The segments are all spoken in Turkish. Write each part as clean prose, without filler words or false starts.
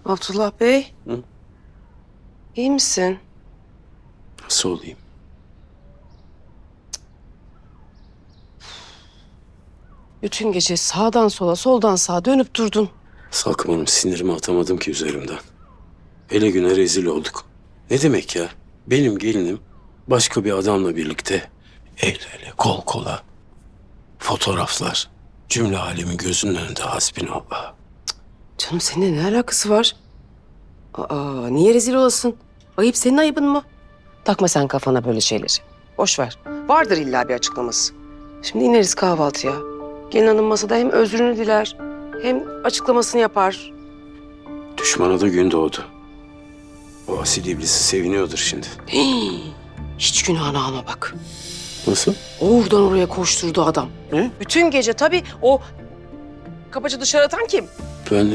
Abdullah Bey. Hı? İyi misin? Nasıl olayım? Bütün gece sağdan sola, soldan sağa dönüp durdun. Salkım Hanım, sinirimi atamadım ki üzerimden. Hele güne rezil olduk. Ne demek ya? Benim gelinim başka bir adamla birlikte el ele, kol kola, fotoğraflar, cümle alemin gözünün önünde hasbinallah. Canım seninle ne alakası var? Aa, niye rezil olasın? Ayıp senin ayıbın mı? Takma sen kafana böyle şeyleri. Boş ver. Vardır illa bir açıklaması. Şimdi ineriz kahvaltıya. Gelin hanım masada hem özrünü diler hem açıklamasını yapar. Düşmana da gün doğdu. O asil iblisi seviniyordur şimdi. Hii, hiç günahını alma bak. Nasıl? Oradan oraya koşturdu adam. Ne? Bütün gece tabii o kapıcı dışarı atan kim? Ben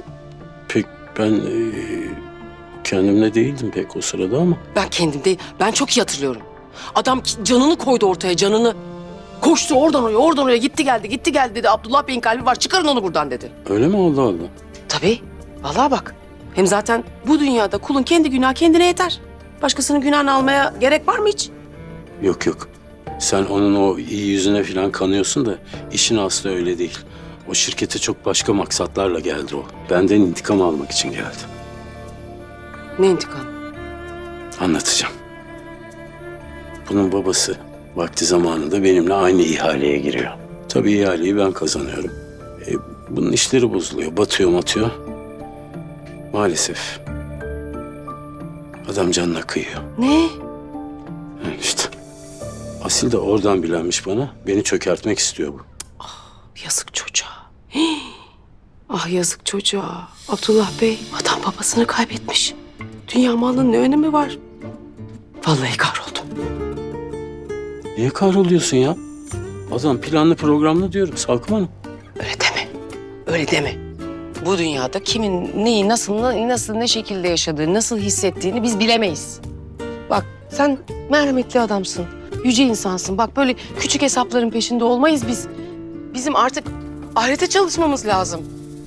kendimle değildim pek o sırada ama. Ben kendim değil. Ben çok iyi hatırlıyorum. Adam canını koydu ortaya, canını. Koştu oradan oraya, oradan oraya gitti geldi dedi. Abdullah Bey'in kalbi var, çıkarın onu buradan dedi. Öyle mi? Allah Allah. Tabii. Vallahi bak. Hem zaten bu dünyada kulun kendi günahı kendine yeter. Başkasının günahını almaya gerek var mı hiç? Yok yok. Sen onun o iyi yüzüne falan kanıyorsun da işin aslı öyle değil. O şirkete çok başka maksatlarla geldi o. Benden intikam almak için geldi. Ne intikam? Anlatacağım. Bunun babası vakti zamanında benimle aynı ihaleye giriyor. Tabii ihaleyi ben kazanıyorum. Bunun işleri bozuluyor, batıyor. Maalesef. Adam canına kıyıyor. Ne? İşte. Asil de oradan bilenmiş bana. Beni çökertmek istiyor bu. Yazık çocuğa. Hii. Ah yazık çocuğa. Abdullah Bey, adam babasını kaybetmiş. Dünya malının ne önemi var? Vallahi kahroldum. Niye kahroluyorsun ya? Adam planlı programlı diyorum Salkım Hanım. Öyle deme. Öyle deme. Bu dünyada kimin neyi nasıl ne şekilde yaşadığını, nasıl hissettiğini biz bilemeyiz. Bak sen merhametli adamsın. Yüce insansın. Bak böyle küçük hesapların peşinde olmayız biz. Bizim artık ahirete çalışmamız lazım.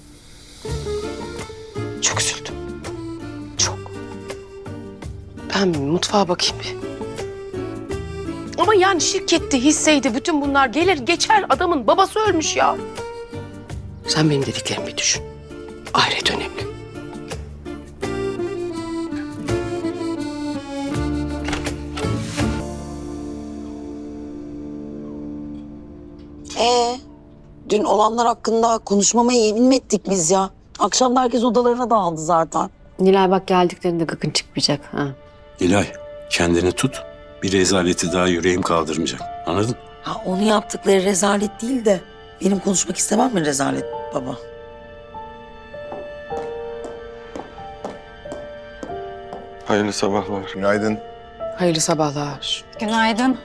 Çok üzüldüm. Çok. Ben bir mutfağa bakayım bir. Ama yani şirketti, hisseydi, bütün bunlar gelir geçer. Adamın babası ölmüş ya. Sen benim dediklerimi bir düşün. Ahiret önemli. Dün olanlar hakkında konuşmamaya yemin mi ettik biz ya? Akşam da herkes odalarına dağıldı zaten. Nilay bak geldiklerinde gıkın çıkmayacak. Ha. İlay, kendini tut. Bir rezaleti daha yüreğim kaldırmayacak. Anladın? Ha, onu yaptıkları rezalet değil de benim konuşmak istemem mi rezalet baba? Hayırlı sabahlar. Günaydın. Hayırlı sabahlar. Günaydın.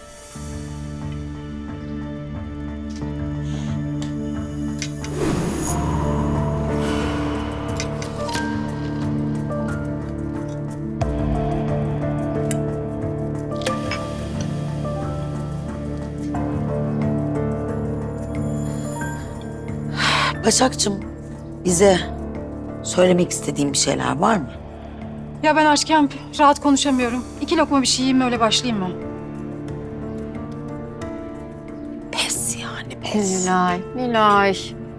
Başakçım, bize söylemek istediğin bir şeyler var mı? Ya ben açken rahat konuşamıyorum. 2 lokma bir şey yiyeyim mi öyle başlayayım mı? Pes yani pes. Nilay.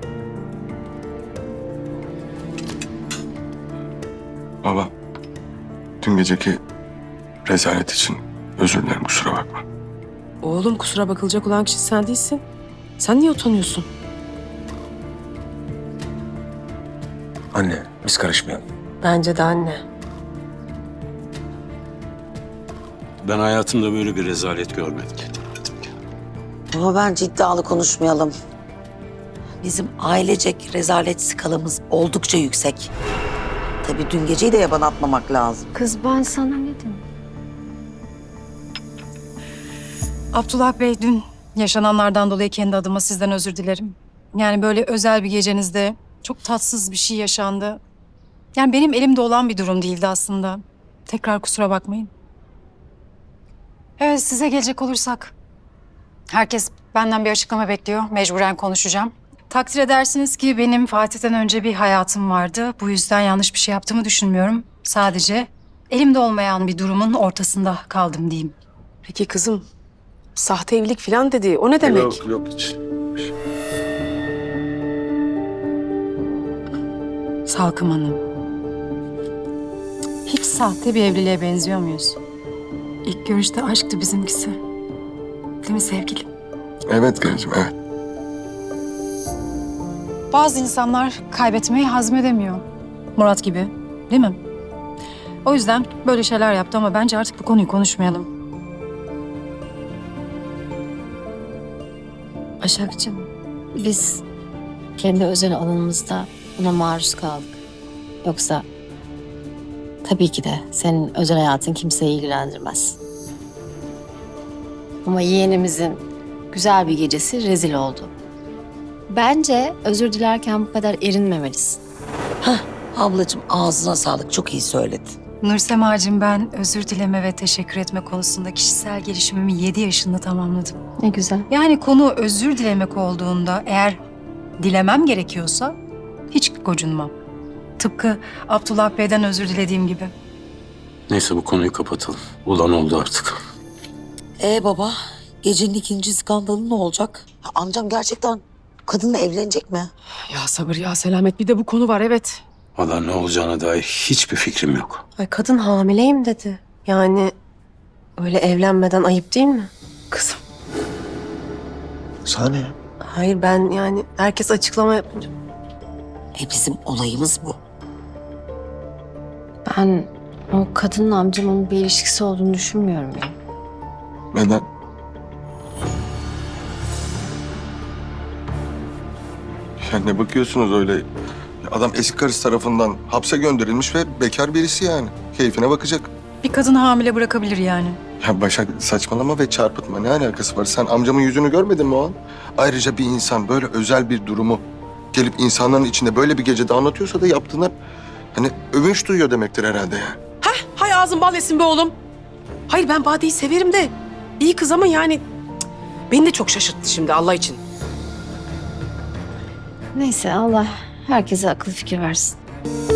Baba, dün geceki rezalet için özür dilerim, kusura bakma. Oğlum kusura bakılacak olan kişi sen değilsin. Sen niye utanıyorsun? Anne, biz karışmayalım. Bence de anne. Ben hayatımda böyle bir rezalet görmedim. Ama bence iddialı konuşmayalım. Bizim ailecek rezalet skalamız oldukça yüksek. Tabii dün geceyi de yaban atmamak lazım. Kız ben sana ne dedim? Abdullah Bey dün yaşananlardan dolayı kendi adıma sizden özür dilerim. Yani böyle özel bir gecenizde çok tatsız bir şey yaşandı. Yani benim elimde olan bir durum değildi aslında. Tekrar kusura bakmayın. Evet, size gelecek olursak. Herkes benden bir açıklama bekliyor. Mecburen konuşacağım. Takdir edersiniz ki benim Fatih'ten önce bir hayatım vardı. Bu yüzden yanlış bir şey yaptığımı düşünmüyorum. Sadece elimde olmayan bir durumun ortasında kaldım diyeyim. Peki kızım, sahte evlilik falan dedi. O ne demek? Yok hiç. Salkım Hanım. Hiç sahte bir evliliğe benziyor muyuz? İlk görüşte aşktı bizimkisi. Değil mi sevgilim? Evet Gülcüm, evet. Bazı insanlar kaybetmeyi hazmedemiyor. Murat gibi, değil mi? O yüzden böyle şeyler yaptı ama bence artık bu konuyu konuşmayalım. Başakcığım, biz kendi özel alanımızda buna maruz kaldık. Yoksa tabii ki de senin özel hayatın kimseyi ilgilendirmez. Ama yeğenimizin güzel bir gecesi rezil oldu. Bence özür dilerken bu kadar erinmemelisin. Ablacığım ağzına sağlık, çok iyi söyledin. Nursemacığım, ben özür dileme ve teşekkür etme konusunda kişisel gelişimimi 7 yaşında tamamladım. Ne güzel. Yani konu özür dilemek olduğunda eğer dilemem gerekiyorsa hiç gocunmam. Tıpkı Abdullah Bey'den özür dilediğim gibi. Neyse bu konuyu kapatalım. Ulan oldu artık. Baba, gecenin ikinci skandalı ne olacak? Ya, amcam gerçekten kadınla evlenecek mi? Ya sabır ya selamet, bir de bu konu var evet. Valla ne olacağına dair hiçbir fikrim yok. Ay kadın hamileyim dedi. Yani öyle evlenmeden ayıp değil mi? Kızım. Sana ne ya? Hayır ben yani herkes açıklama yapınca. Bizim olayımız bu. Ben o kadınla amcamın bir ilişkisi olduğunu düşünmüyorum ya. Neden? Ya ne bakıyorsunuz öyle? Ya adam eski karısı tarafından hapse gönderilmiş ve bekar birisi yani. Keyfine bakacak. Bir kadın hamile bırakabilir yani. Ya Başak saçmalama ve çarpıtma. Ne alakası var? Sen amcamın yüzünü görmedin mi o an? Ayrıca bir insan böyle özel bir durumu gelip insanların içinde böyle bir gecede anlatıyorsa da yaptığına hani övünç duyuyor demektir herhalde yani. Hay ağzın bal yesin be oğlum. Hayır ben Bade'yi severim de. İyi kız ama yani beni de çok şaşırttı şimdi Allah için. Neyse Allah herkese akıl fikir versin.